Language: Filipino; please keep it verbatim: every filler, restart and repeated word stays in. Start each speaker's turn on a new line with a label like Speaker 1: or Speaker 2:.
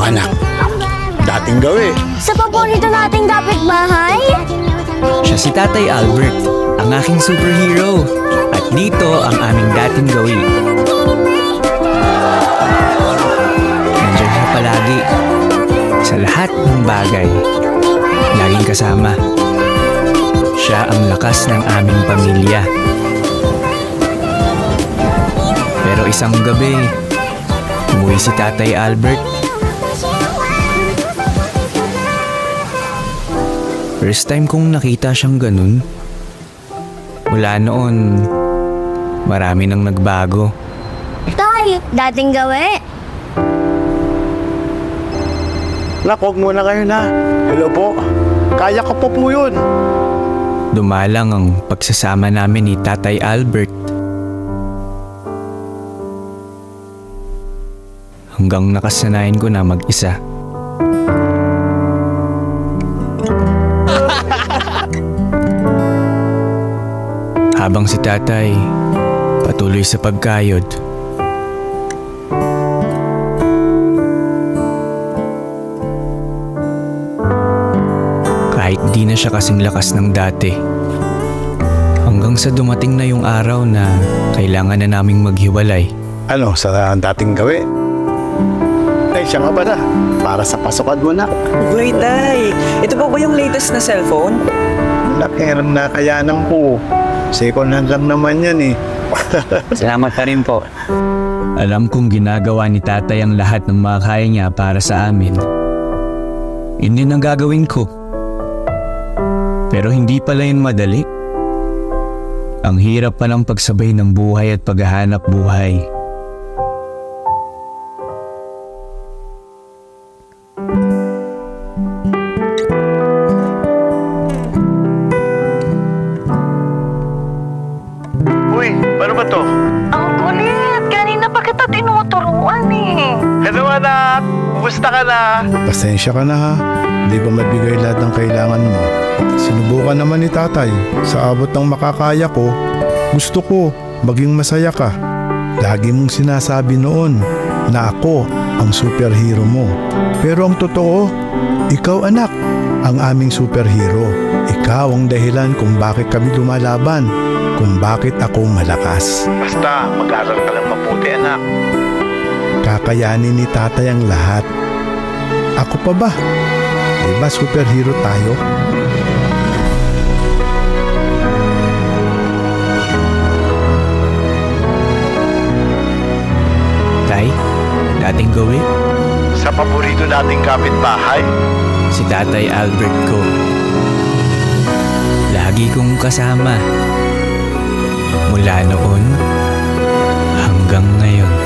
Speaker 1: anak. Dating gawi.
Speaker 2: Sa paborito nating kapitbahay?
Speaker 3: Siya si Tatay Albert, ang aking superhero. At dito ang aming dating gawin. Nandiyan siya palagi. Sa lahat ng bagay. Laging kasama. Siya ang lakas ng aming pamilya. Pero isang gabi, umuwi si Tatay Albert. First time kong nakita siyang ganun. Mula noon, marami nang nagbago.
Speaker 2: Tay, dating gawi.
Speaker 1: Nak, huwag muna kayo na. Hello po. Kaya ko po po yun.
Speaker 3: Dumalang ang pagsasama namin ni Tatay Albert. Hanggang nakasanayan ko na mag-isa. Habang si Tatay patuloy sa pagkayod, kahit di na siya kasing lakas ng dati. Hanggang sa dumating na yung araw na kailangan na naming maghiwalay.
Speaker 1: Ano, sa dating gawi? Ay, siya nga ba na? Para sa pasukan mo, nak.
Speaker 4: Wait, Tay. Ito po ba yung latest na cellphone?
Speaker 1: Nakiram na kayanan ko. Second hand lang naman yan eh.
Speaker 4: Salamat ka rin po.
Speaker 3: Alam kong ginagawa ni Tatay ang lahat ng mga kaya niya para sa amin. Yun din ang gagawin ko. Pero hindi pala yun madali. Ang hirap pa ng pagsabay ng buhay at paghahanap buhay.
Speaker 1: Uy, paano ba to?
Speaker 5: Ang kulit! Kanina pa kita tinuturuan eh.
Speaker 1: Hello anak! Kumusta ka na? Pasensya ka na ha. Hindi ko mabigay lahat ng kailangan mo. Sinubukan naman ni tatay. Sa abot ng makakaya ko, gusto ko maging masaya ka. Lagi mong sinasabi noon na ako ang superhero mo. Pero ang totoo, ikaw anak, ang aming superhero. Ikaw ang dahilan kung bakit kami lumalaban, kung bakit ako malakas. Basta mag-aral ka lang mabuti anak. Kakayanin ni tatay ang lahat. Ako pa ba? Diba superhero tayo?
Speaker 3: Tay, dating gawi,
Speaker 1: Sa paborito nating kapitbahay.
Speaker 3: si Tatay Albert ko. Lagi kong kasama. Mula noon hanggang ngayon.